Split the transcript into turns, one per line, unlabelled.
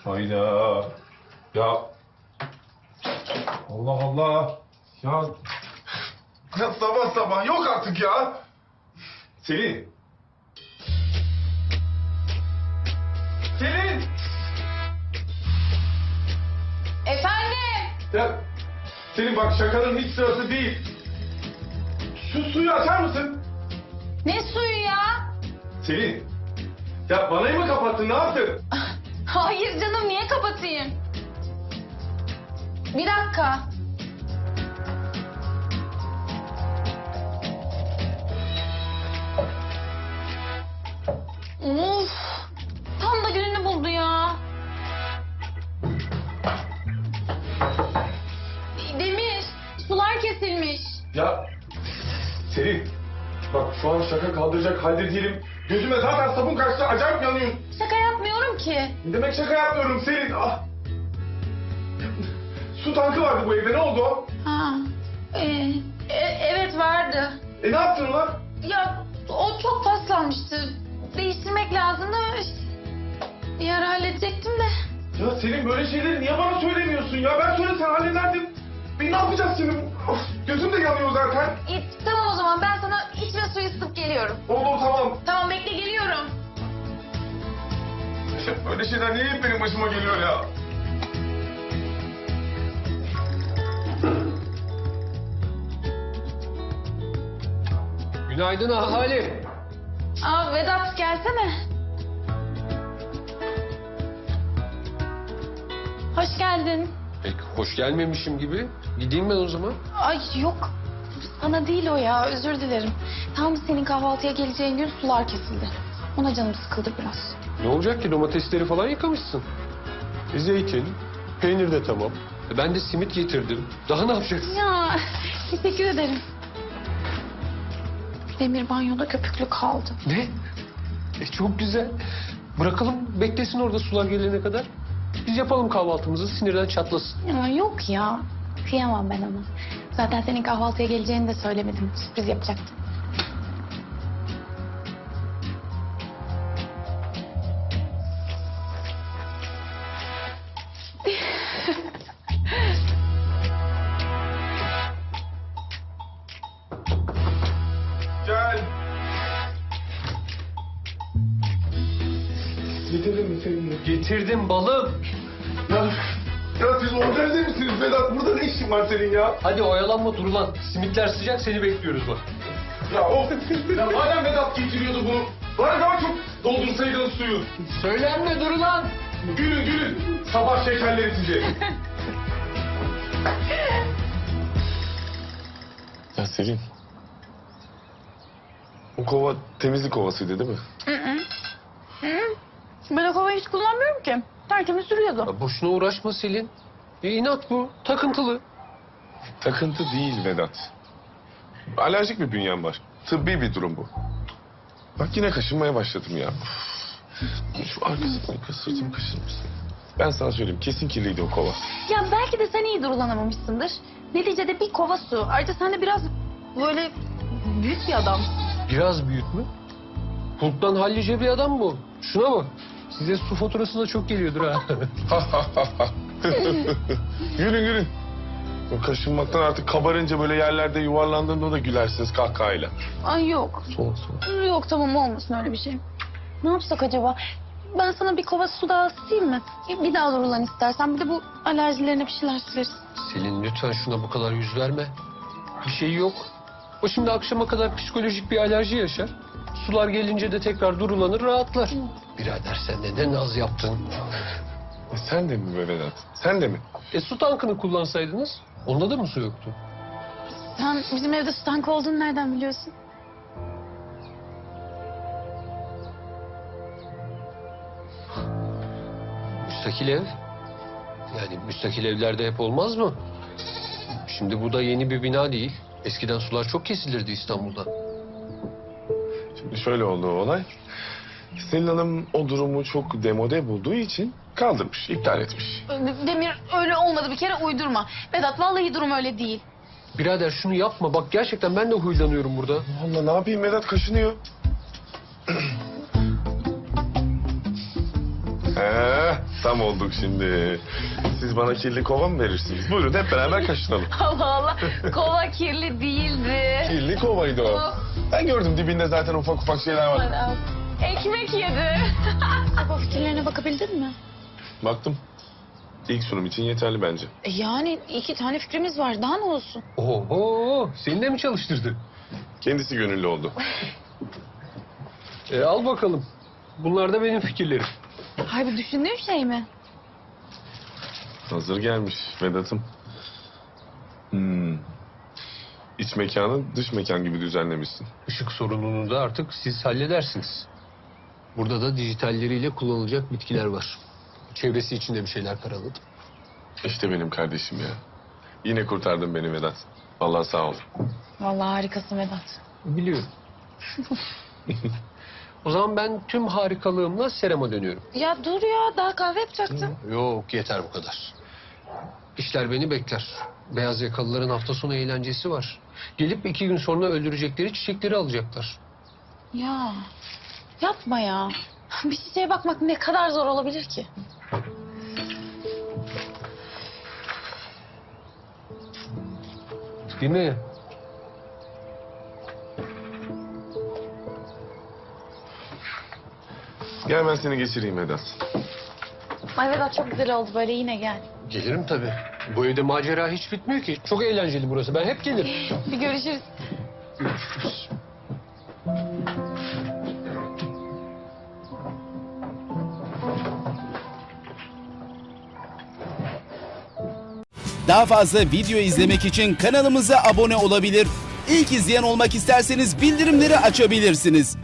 Hayda. Ya. Allah Allah. Ya. Ya sabah sabah yok artık ya. Selin. Selin.
Efendim?
Ya. Selin bak şakanın hiç sırası değil. Şu suyu açar mısın?
Ne suyu ya?
Selin. Ya vanayı mı kapattın ne yaptın?
Hayır canım, niye kapatayım? Bir dakika. Of, tam da gününü buldu ya. Demir, sular kesilmiş.
Ya Selin. Bak şu an şaka kaldıracak halde değilim. Gözüme zaten sabun kaçtı acayip yanıyorum.
Şaka yapmıyorum ki.
Ne demek şaka yapmıyorum Selin? Ah. Su tankı vardı bu evde ne oldu o?
Ha, evet vardı.
Ne yaptın ulan?
Ya o çok paslanmıştı. Değiştirmek lazımdı. Bir ara halledecektim de.
Ya Selin böyle şeyleri niye bana söylemiyorsun ya? Ben söylesem hallederdim. Ne yapacağız şimdi? Of, gözüm de yanıyor zaten.
Tamam o zaman, ben sana içme suyu ısıtıp geliyorum.
Oldu tamam.
Tamam, bekle, geliyorum.
Böyle şeyler niye hep benim başıma geliyor ya?
Günaydın ahali.
Aa Vedat, gelsene. Hoş geldin.
Pek hoş gelmemişim gibi. Gideyim ben o zaman.
Ay yok, sana değil o ya, özür dilerim. Tam senin kahvaltıya geleceğin gün sular kesildi. Ona canım sıkıldı biraz.
Ne olacak ki, domatesleri falan yıkamışsın. Zeytin, peynir de tamam. Ben de simit getirdim. Daha ne yapacaksın?
Ya teşekkür ederim. Demir banyoda köpüklü kaldı.
Ne? Çok güzel. Bırakalım beklesin orada sular gelene kadar. Biz yapalım kahvaltımızı, sinirden çatlasın.
Ya yok ya, kıyamam ben ona. Zaten senin kahvaltıya geleceğini de söylemedim. Sürpriz yapacaktım.
Gel. Getirdin mi Selin'i?
Getirdim balım.
Ya siz organize misiniz Vedat? Burada ne işin var senin ya?
Hadi oyalanma dur lan. Simitler sıcak, seni bekliyoruz bak.
Ya of. Ya madem Vedat getiriyordu bunu. Bana daha çok doldursaydın suyu.
Söylenme dur lan.
Gülün gülün. Sabah şekerleri size. Ya Selin. O kova temizlik kovasıydı değil mi?
Ben o kovayı hiç kullanmıyorum ki. Tertemiz duruyordu.
Ya boşuna uğraşma Selin. İnat bu, takıntılı.
Takıntı değil Vedat. Alerjik bir bünyem var. Tıbbi bir durum bu. Bak yine kaşınmaya başladım ya. Şu arkasını sırtımı kaşır mısın? Ben sana söyleyeyim kesin kirliydi o kova.
Ya belki de sen iyi durulanamamışsındır. Neticede bir kova su. Ayrıca sen de biraz böyle büyük bir adam.
Biraz büyük mü? Hulk'tan hallice bir adam bu. Şuna bak. Size su faturası da çok geliyordur ha.
Gülün gülün. O kaşınmaktan artık kabarınca böyle yerlerde yuvarlandığında da gülersiniz kahkahayla.
Ay yok.
Soğuk soğuk.
Yok tamam, olmasın öyle bir şey. Ne yapsak acaba? Ben sana bir kova su daha ısıtayım mı? Bir daha durulan istersen. Bir de bu alerjilerine bir şeyler süreriz.
Selin lütfen şuna bu kadar yüz verme. Bir şey yok. O şimdi akşama kadar psikolojik bir alerji yaşar. Sular gelince de tekrar durulanır, rahatlar. Birader sen de ne naz yaptın.
Sen de mi be Vedat? Sen de mi?
Su tankını kullansaydınız, onda da mı su yoktu?
Sen bizim evde su tankı olduğunu nereden biliyorsun?
Müstakil ev. Yani müstakil evlerde hep olmaz mı? Şimdi bu da yeni bir bina değil. Eskiden sular çok kesilirdi İstanbul'da.
Şimdi şöyle oldu o olay. Selin Hanım o durumu çok demode bulduğu için kaldırmış, iptal etmiş.
Demir, öyle olmadı, bir kere uydurma. Vedat, vallahi durum öyle değil.
Birader şunu yapma. Bak gerçekten ben de huylanıyorum burada.
Allah ne yapayım Vedat kaşınıyor. Tam olduk şimdi. Siz bana kirli kova mı verirsiniz? Buyurun hep beraber kaşınalım.
Allah Allah. Kova kirli değildi.
Kirli kovaydı o. Ben gördüm dibinde zaten ufak ufak şeyler var.
Ekmek yedi. Baba fikirlerine bakabildin mi?
Baktım. İlk sunum için yeterli bence.
Yani 2 tane fikrimiz var. Daha ne olsun?
Oho, seni de mi çalıştırdı?
Kendisi gönüllü oldu.
Al bakalım. Bunlar da benim fikirlerim.
Hayır, düşündüğün şey mi?
Hazır gelmiş Vedat'ım. İç mekanı dış mekan gibi düzenlemişsin.
Işık sorununu da artık siz halledersiniz. Burada da dijitalleriyle kullanılacak bitkiler var. Çevresi için de bir şeyler karaladım.
İşte benim kardeşim ya. Yine kurtardın beni Vedat. Vallahi sağ ol.
Vallahi harikasın Vedat.
Biliyorum. O zaman ben tüm harikalığımla serama dönüyorum.
Ya dur ya, daha kahve yapacaktım.
Yok, yeter bu kadar. İşler beni bekler. Beyaz yakalıların hafta sonu eğlencesi var. Gelip 2 gün sonra öldürecekleri çiçekleri alacaklar.
Ya yapma ya. Bir çiçeğe bakmak ne kadar zor olabilir ki?
Değil mi?
Gel ben seni geçireyim Vedat.
Ay Vedat çok güzel oldu böyle, yine gel.
Gelirim tabii. Bu evde macera hiç bitmiyor ki. Çok eğlenceli burası. Ben hep gelirim.
Bir görüşürüz.
Görüşürüz.
Daha fazla video izlemek için kanalımıza abone olabilir. İlk izleyen olmak isterseniz bildirimleri açabilirsiniz.